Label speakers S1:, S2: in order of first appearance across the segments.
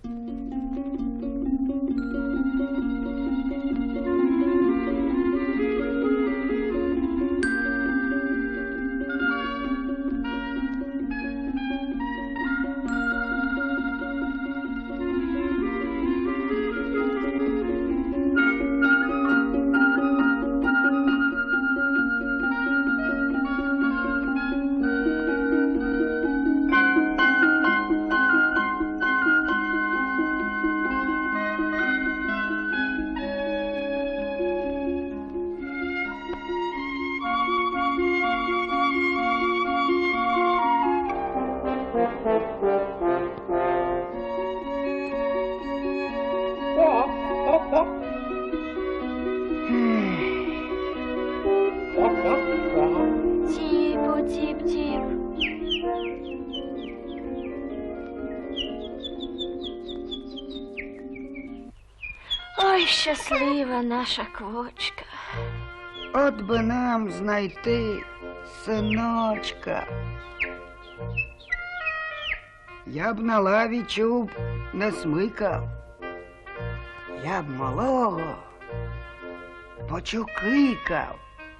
S1: Тіп-тіп-тіп. Ой, щаслива наша квочка.
S2: От би нам знайти синочка. Я б на лаві чуб не смикав. Я б малого почукикав.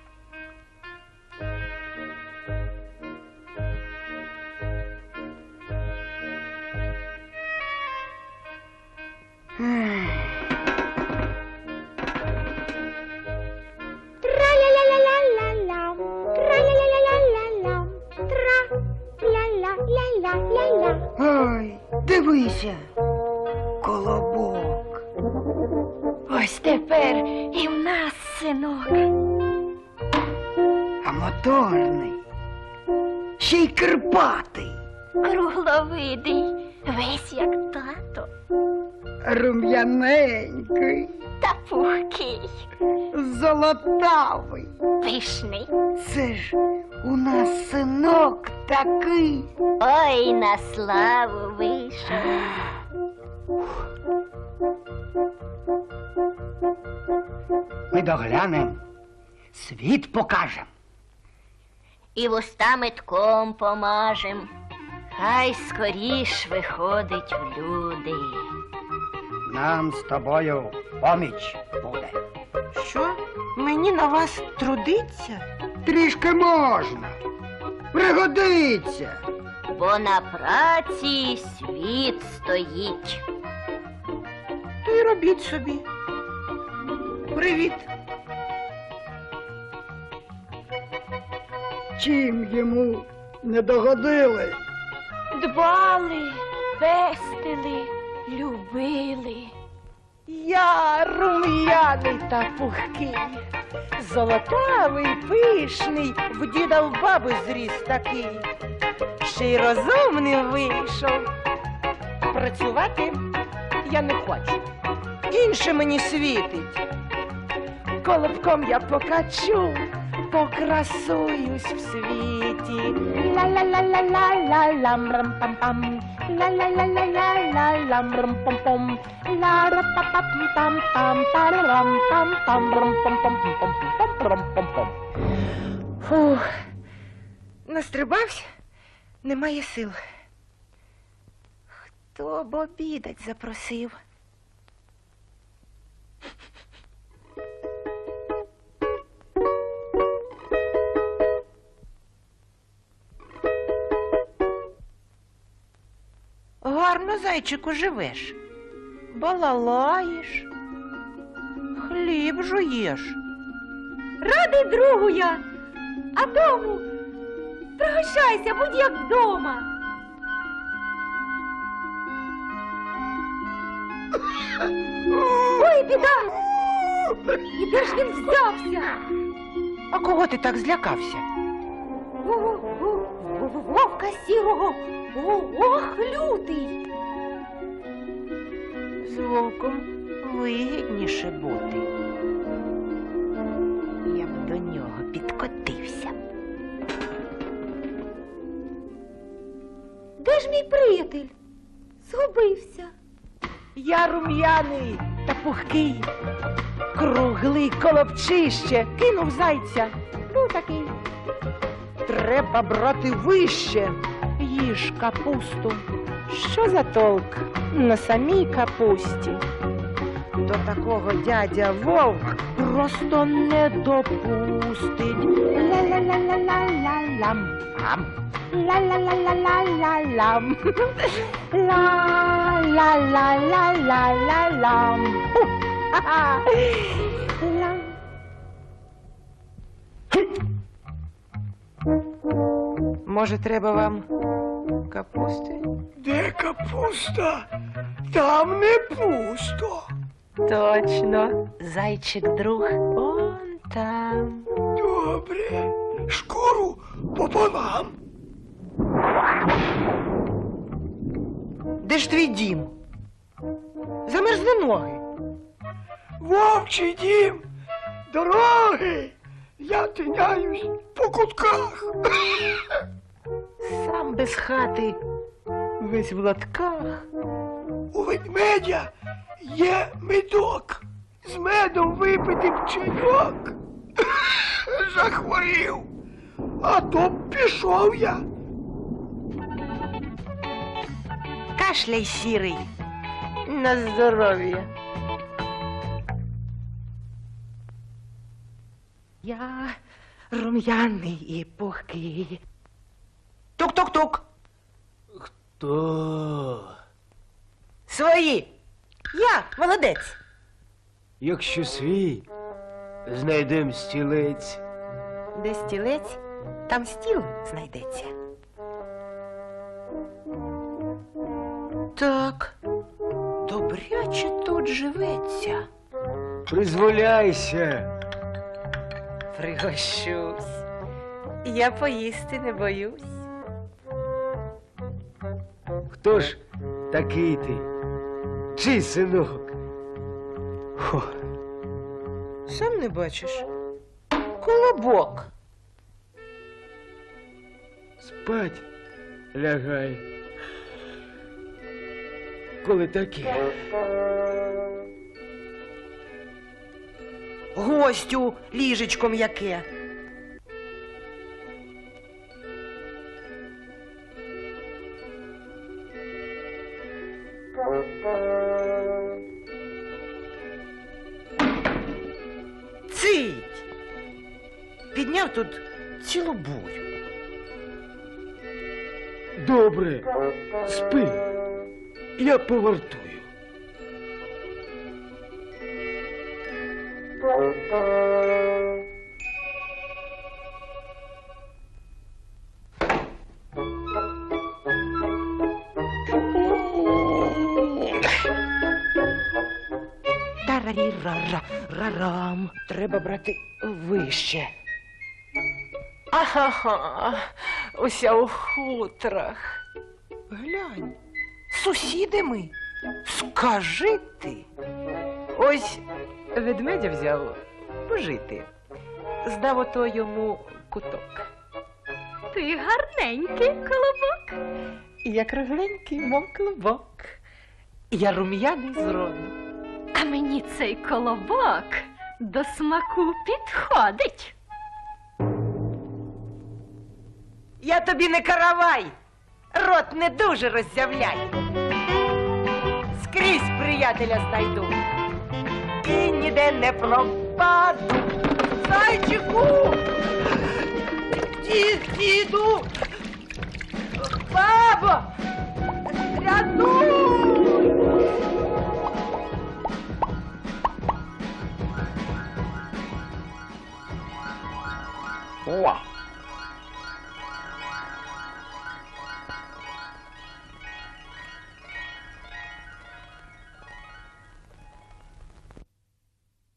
S1: Тра-ля-ля-ля-ля-ля-лям, тра-ля-ля-ля-ля-лям, тра-ля-ля-ля-ля-ля.
S2: Ой, дивися, колобок.
S1: Ось тепер і в нас синок.
S2: А моторний, ще й кирпатий,
S1: Кругловидий, весь як тато,
S2: рум'яненький,
S1: та пухкий,
S2: золотавий.
S1: пишний.
S2: Це ж у нас синок такий.
S1: Ой, на славу вийшов.
S2: Ми доглянем, світ покажем.
S1: І вуста метком помажем. Хай скоріш виходить в люди.
S2: Нам з тобою поміч буде.
S3: Що? Мені на вас трудиться?
S2: Трішки можна. Пригодиться.
S1: Бо на праці світ стоїть.
S3: То й робіть собі. Привіт.
S2: Чим йому не догодили?
S1: Дбали, пестили, любили.
S3: Я рум'яний та пухкий, золотавий, пишний, в діда в баби зріс такий. Ще й розумним вийшов. Працювати я не хочу. Інше мені світить. Колобком я покачу, покрасуюсь в світі. Ла-ла-ла-ла-ла-ла-лам рам-пам-пам. Ла-ла-ла-ла-ла-ла-лам рам-пам-пам. Ла-ра-па-пам-пам-пам, та-рам-пам-пам, рам-пам-пам-пам-пам-пам-пам. Фух, настрибався, немає сил. Хто б обідать запросив? Гарно, зайчику, живеш. Балалаєш, хліб жуєш.
S1: Радий другу я, а дому пригощайся, будь як вдома. Ой, біда! І де ж він взявся?
S3: А кого ти так злякався?
S1: Вовка сірого, ох, лютий.
S3: З вовком вигідніше бути. Я б до нього підкотився.
S1: Де ж мій приятель? Згубився.
S3: Я рум'яний та пухкий, круглий колобчище, кинув зайця.
S1: Був такий.
S3: Треба брати вище, їж капусту. Що за толк на самій капусті? До такого дядя Вовк просто не допустить. Ла-ла-ла-ла-ла-ла-лам. Ла-ла-ла-ла-ла-ла-лам. Ла-ла-ла-ла-ла-ла-лам. Ха-ха. Лам. Може, треба вам капусти?
S2: Де капуста? Там не пусто.
S3: Точно. Зайчик друг он там.
S2: Добре. Шкуру пополам.
S3: Де ж твій дім? Замерзли ноги.
S2: Вовчий дім. Дороги. Я тиняюсь по кутках.
S3: Сам без хати, весь в латках.
S2: У ведмедя є медок. З медом випити б чайок. Захворів. А то б пішов я.
S3: Кашляй, сірий. На здоров'я. Я рум'яний і пухкий. Тук-тук-тук.
S4: Хто?
S3: Свої. Я молодець.
S4: Якщо свій, знайдем стілець.
S3: Де стілець, там стіл знайдеться. Так, добряче тут живеться.
S4: Призволяйся.
S3: Пригощусь. Я поїсти не боюсь.
S4: Хто ж такий ти? Чий синок? Хо.
S3: Сам не бачиш? Колобок.
S4: Спать лягай. Коли таке?
S3: Гостю ліжечком яке. Цить! Підняв тут цілу бурю.
S4: Добре, спи. Я повартую.
S3: Тарарі-ра-ра-ра-рам. Треба брати вище. Ага, уся у хутрах. Глянь, сусіди ми. Скажи ти. Ось ведмедя взяв пожити. Здав ото йому куток.
S1: Ти гарненький, колобок.
S3: Я кругленький, мов клубок. Я рум'яний з роду.
S1: А мені цей колобок до смаку підходить.
S3: Я тобі не каравай, рот не дуже роззявляй. Скрізь приятеля знайду і ніде не пропаду. Зайчику! Діду! Бабо! Рятуй!
S4: О!